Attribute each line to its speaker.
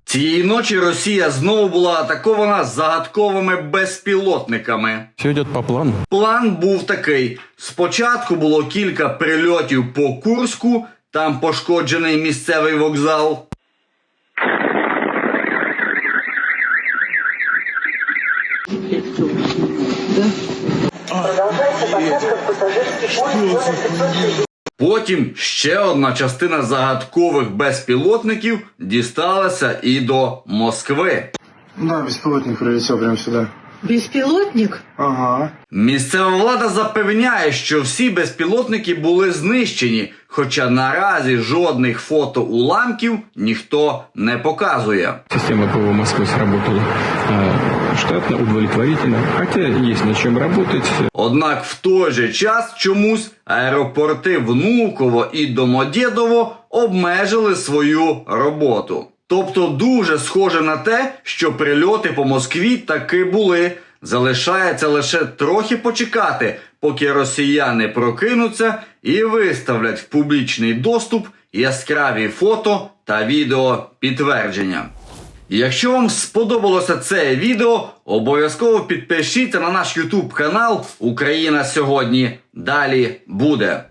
Speaker 1: Цієї ночі Росія знову була атакована загадковими безпілотниками.
Speaker 2: Все йде по плану.
Speaker 1: План був такий. Спочатку було кілька прильотів по Курську, там пошкоджений місцевий вокзал. Потім ще одна частина загадкових безпілотників дісталася і до Москви.
Speaker 3: Да, беспилотник прилетел прямо сюда.
Speaker 4: Беспилотник?
Speaker 3: Ага.
Speaker 1: Місцева влада запевняє, що всі безпілотники були знищені, хоча наразі жодних фото уламків ніхто не показує.
Speaker 2: Система ПВО Москвы сработала штатно, удовлетворительно, хотя есть над чем работать.
Speaker 1: Однак в той же час чомусь аеропорти Внуково і Домодєдово обмежили свою роботу. Тобто дуже схоже на те, що прильоти по Москві таки були. Залишається лише трохи почекати, поки росіяни прокинуться і виставлять в публічний доступ яскраві фото та відео підтвердження. Якщо вам сподобалося це відео, обов'язково підпишіться на наш YouTube канал «Україна сьогодні». Далі буде.